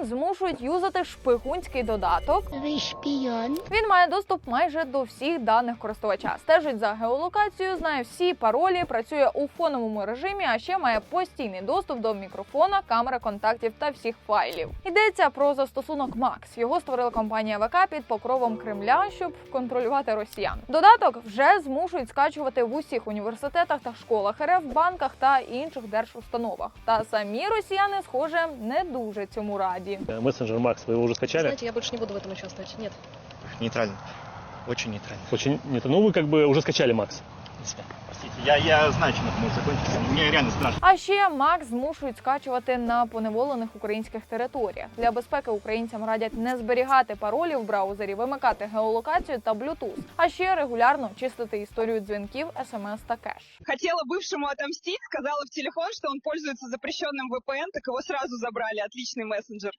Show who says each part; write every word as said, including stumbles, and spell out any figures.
Speaker 1: росіян змушують юзати шпигунський додаток.
Speaker 2: Ви шпіон.
Speaker 1: Він має доступ майже до всіх даних користувача, стежить за геолокацією, знає всі паролі, працює у фоновому режимі, а ще має постійний доступ до мікрофона, камери контактів та всіх файлів. Йдеться про застосунок Макс. Його створила компанія ВК під покровом Кремля, щоб контролювати росіян. Додаток вже змушують скачувати в усіх університетах та школах РФ, банках та інших держустановах. Та самі росіяни, схоже, не дуже цьому раді.
Speaker 3: Мессенджер Макс, вы его уже скачали?
Speaker 4: Знаете, я больше не буду в этом участвовать. Нет.
Speaker 5: Нейтрально. Очень нейтрально.
Speaker 3: Очень нет. Ну вы как бы уже скачали Макс.
Speaker 5: Простите, я, я знаю, чем это может закончиться. Мне реально страшно.
Speaker 1: А ще Макс змушують скачувати на поневолених українських територіях. Для безпеки українцям радять не зберігати паролі в браузері, вимикати геолокацію та Bluetooth, а ще регулярно чистити історію дзвінків, смс та кеш.
Speaker 6: Хотела бывшему отомстить, сказала в телефон, что он пользуется запрещенным вэ пэ эн, так его сразу забрали. Отличный мессенджер.